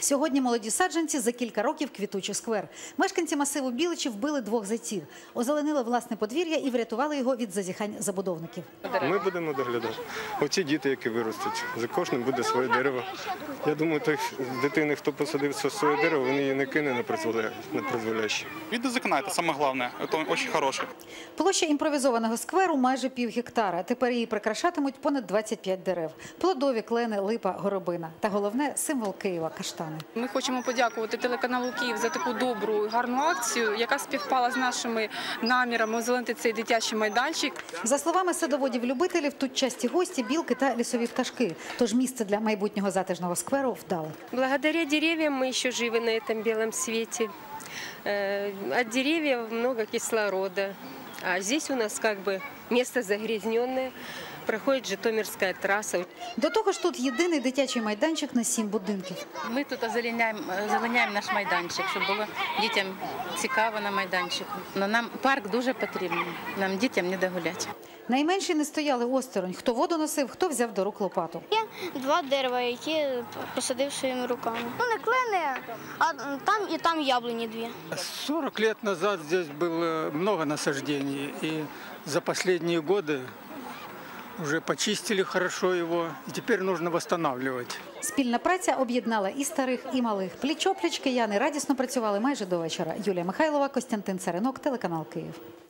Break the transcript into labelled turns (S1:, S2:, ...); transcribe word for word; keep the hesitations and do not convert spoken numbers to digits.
S1: Сьогодні молоді саджанці за кілька років квітучий сквер. Мешканці масиву Біличі вбили двох зайців, озеленили власне подвір'я і врятували його від зазіхань забудовників.
S2: Ми будемо доглядати. Оці діти, які виростуть, за кожним буде своє дерево. Я думаю, той з дитини, хто посадив своє дерево, він її не кине на призволяще.
S3: Виды из окна – это самое главное, это очень хорошее.
S1: Площа імпровізованого скверу майже пів гектара. Тепер її прикрашатимуть понад двадцять п'ять дерев. Плодові, клени, липа, горобина. Та головне – символ Києва – каштани.
S4: Ми хочемо подякувати телеканалу «Київ» за таку добру і гарну акцію, яка співпала з нашими намірами озеленити цей дитячий майданчик.
S1: За словами садоводів-любителів, тут часті гості, білки та лісові пташки. Тож місце для майбутнього затишного скверу вдале.
S5: Благодаря деревьям мы еще живы на этом белом свете. От деревьев много кислорода. А здесь у нас как бы место загрязненное. Проходить Житомирська траса.
S1: До того ж тут єдиний дитячий майданчик на сім будинків.
S6: Ми тут озеленяємо, озеленяємо наш майданчик, щоб було дітям цікаво на майданчику. Но нам парк дуже потрібен, нам дітям не догуляти.
S1: Найменші не стояли осторонь. Хто воду носив, хто взяв до рук лопату.
S7: Є два дерева, які посадив своїми руками. Ну не клени, а там і там яблуні дві.
S8: сорок лет назад здесь было много насаждений, и за последние годы уже почистили хорошо его, и теперь нужно восстанавливать.
S1: Спільна праця об'єднала і старих, і малих. Пліч-опліч кияни радісно працювали майже до вечора. Юлія Михайлова, Костянтин Царинок, телеканал «Київ».